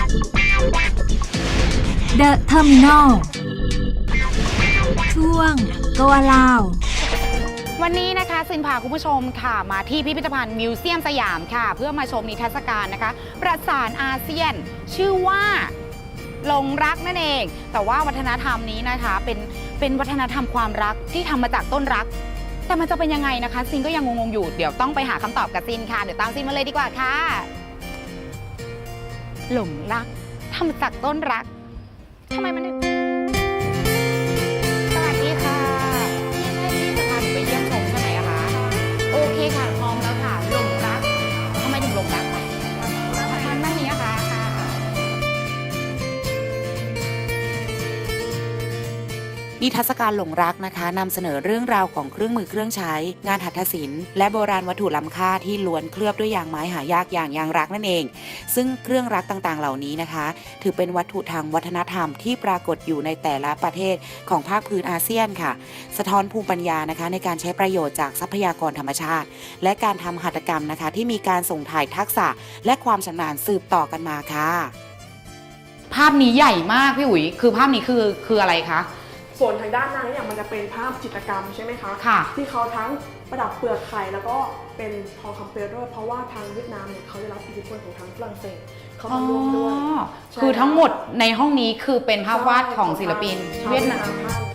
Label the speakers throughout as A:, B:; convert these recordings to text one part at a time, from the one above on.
A: The Terminal ช่วง Go Aloud
B: วันนี้นะคะซินพาคุณผู้ชมค่ะมาที่พิพิธภัณฑ์มิวเซียมสยามค่ะเพื่อมาชมนิทรรศการนะคะประสานอาเซียนชื่อว่าหลงรักนั่นเองแต่ว่าวัฒนธรรมนี้นะคะเป็นวัฒนธรรมความรักที่ทำมาจากต้นรักแต่มันจะเป็นยังไงนะคะซินก็ยังงงๆอยู่เดี๋ยวต้องไปหาคำตอบกับซินค่ะเดี๋ยวตามซินมาเลยดีกว่าค่ะหลงรักทำมาจากต้นรักทำไมมันสวัสดีค่ะนี่ใช่ที่จะพาหนูไปเยี่ยมชมใช่ไหมอะคะโอเคค่ะพร้อมแล้วค่ะหลงรักทำไมถึงหลงรักมันนั่นนี้ค่ะนิทรรศการหลงรักนะคะนำเสนอเรื่องราวของเครื่องมือเครื่องใช้งานหัตถศิลป์และโบราณวัตถุล้ำค่าที่ล้วนเคลือบด้วยยางไม้หายากอย่างยางรักนั่นเองซึ่งเครื่องรักต่างๆเหล่านี้นะคะถือเป็นวัตถุทางวัฒนธรรมที่ปรากฏอยู่ในแต่ละประเทศของภาคพื้นอาเซียนค่ะสะท้อนภูมิปัญญานะคะในการใช้ประโยชน์จากทรัพยากรธรรมชาติและการทำหัตถกรรมนะคะที่มีการส่งถ่ายทักษะและความชำนาญสืบต่อกันมาค่ะภาพนี้ใหญ่มากพี่อุ๋ยคือภาพนี้คืออะไรคะ
C: ส่วนทางด้านหน้าเนี่ยมันจะเป็นภาพจิตรกรรมใช่ไหมคะที่เขาทั้งประดับเปลือกไข่แล้วก็เป็นทองคำเปลวด้วยเพราะว่าทางเวียดนามเนี่ยเขาได้รับอิทธิพลของทางฝรั่งเศสเขามาร่วมด้วย
B: คือทั้งหมดในห้องนี้คือเป็นภาพวาดของศิลปินเวียดนาม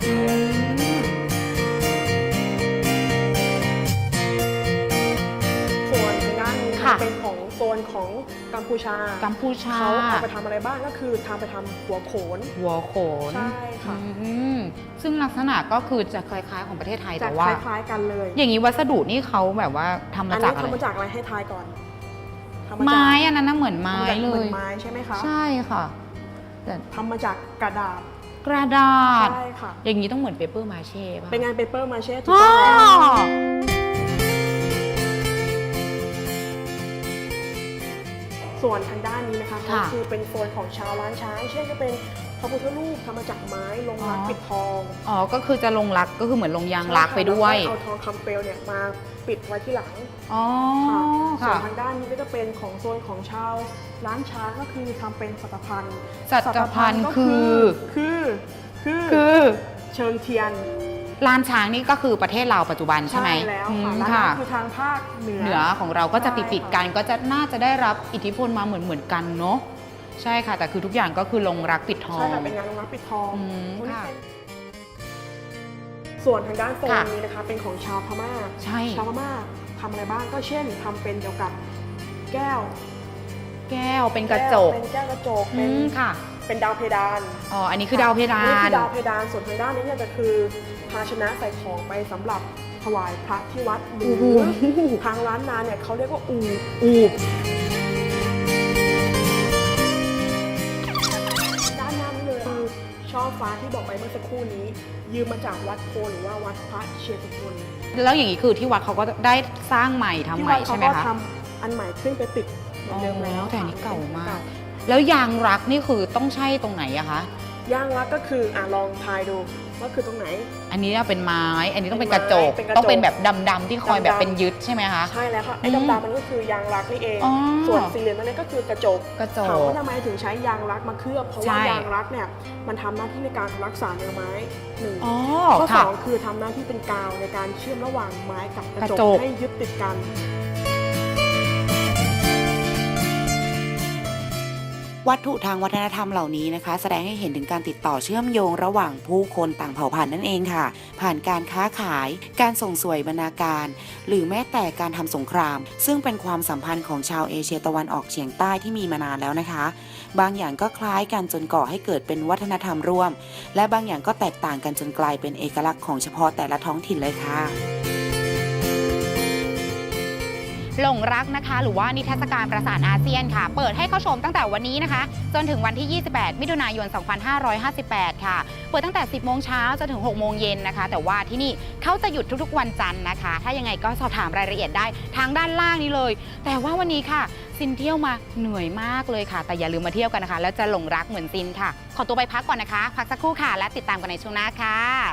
C: ส่วนทางด้านนี้เป็นของโซนของกัมพูชาเขาเอาไปทำอะไรบ้างก็คือทำไปทำหัวโขนใช่ค่ะ
B: ซึ่งลักษณะก็คือจะคล้ายๆของประเทศไทยแต่ว่า
C: คล้ายๆกันเลย
B: อย่างนี้วัสดุนี่เขาแบบว่าทำมาจากอะไร
C: ทำมาจากอะไรให้ทายก่อน
B: ไม้อันนั้นน่ะเหมือนไม้เลย
C: เหมือนไม้ใช่ไหมคะ
B: ใช่ค่ะ
C: แต่ทำมาจากกระดาษ
B: ใช่ค่ะอย่างนี้ต้องเหมือนเปเปอร์มาเช่ป่ะ
C: เป็นงานเปเปอร์มาเช่ถูกต้องแล้วส่วนทางด้านนี้นะคะก็คือเป็นโซนของชาวล้านช้างเช่นจะเป็นพระพุทธรูปทำมาจากไม้ลงรักปิดทอง
B: ก็คือจะลงรักก็คือเหมือนลงยางรักไปด้วย
C: เอาทองคำเปลวเนี่ยมาปิดไว้ที่หลังส่วนทางด้านนี้ก็จะเป็นของโซนของชาวล้านช้างก็คือทำเป็นสัตพันธ์คือเชิงเทียน
B: ลานช้างนี่ก็คือประเทศเราปัจจุบันใช่ไหม
C: ใช่แล้วค่ะคือทางภาคเหนือ
B: ของเราก็จะติดกันก็จะน่าจะได้รับอิทธิพลมาเหมือนกันเนาะใช่ค่ะแต่คือทุกอย่างก็คือลงรักปิดทอง
C: ใช่ค่ะเป็นงานลงรักปิดทองส่วนทางด้านโซนนี้นะคะเป็นของชาวพม่าชาวพม่าทำอะไรบ้างก็เช่นทำเป็นเกี่ยวกับแก้ว
B: เป็นกระจก
C: เป็นแก้วกระจกเป็นดาวเพดาน
B: อันนี้คือดาวเพดาน
C: นี่คือดาวเพดานส่วนทางด้านนี้เนี่ยจะคือภาชนะใส่ของไปสำหรับถวายพระที่วัดหรือทางร้านนาเนี่ยเขาเรียกว่าอูบด้านหน้านี้เลยคือช่อฟ้าที่บอกไปเมื่อสักครู่นี้ยืมมาจากวัดโพหรือว่าวัดพระเชตุพน
B: แล้วอย่างนี้คือที่วัดเขาก็ได้สร้างใหม่ทำใหม่ใช่ไหมคะ
C: ที่วัดเขาก็ทำอันใหม่ขึ้นไปติดเหมือนเดิมแล้ว
B: แต่นี้เก่ามากแล้วยางรักนี่คือต้องใช่ตรงไหนอะคะ
C: ยางรักก็คือลองทายดูว่าคือตรงไหน
B: อันนี้เป็นไม้อันนี้ต้องเป็นกระจกต้องเป็นแบบดำๆที่คอยแบบเป็นยึดใช่ไหมคะ
C: ใช่แล้วค่ะไอ้ดำๆมันก็คือยางรักนี่เองส่วนสี่เหลี่ยมนั่นก็คือกระจกถามว่าทำไมถึงใช้ยางรักมาเคลือบเพราะว่ายางรักเนี่ยมันทำหน้าที่ในการรักษาเนื้อไม้หนึ่งข้อสองคือทำหน้าที่เป็นกาวในการเชื่อมระหว่างไม้กับกระจกให้ยึดติดกัน
D: วัตถุทางวัฒนธรรมเหล่านี้นะคะแสดงให้เห็นถึงการติดต่อเชื่อมโยงระหว่างผู้คนต่างเผ่าพันธุ์นั่นเองค่ะผ่านการค้าขายการส่งสวยบรรณาการหรือแม้แต่การทำสงครามซึ่งเป็นความสัมพันธ์ของชาวเอเชียตะวันออกเฉียงใต้ที่มีมานานแล้วนะคะบางอย่างก็คล้ายกันจนก่อให้เกิดเป็นวัฒนธรรมร่วมและบางอย่างก็แตกต่างกันจนกลายเป็นเอกลักษณ์ของเฉพาะแต่ละท้องถิ่นเลยค่ะ
B: หลงรักนะคะหรือว่านิทรรศการประสานอาเซียนค่ะเปิดให้เข้าชมตั้งแต่วันนี้นะคะจนถึงวันที่ 28 มิถุนายน 2558 ค่ะเปิดตั้งแต่ 10 โมงเช้าจนถึง 6 โมงเย็นนะคะแต่ว่าที่นี่เขาจะหยุดทุกๆวันจันทร์นะคะถ้ายังไงก็สอบถามรายละเอียดได้ทางด้านล่างนี้เลยแต่ว่าวันนี้ค่ะซินเที่ยวมาเหนื่อยมากเลยค่ะแต่อย่าลืมมาเที่ยวกันนะคะแล้วจะหลงรักเหมือนซินค่ะขอตัวไปพักก่อนนะคะพักสักครู่ค่ะและติดตามกันในช่วงหน้าค่ะ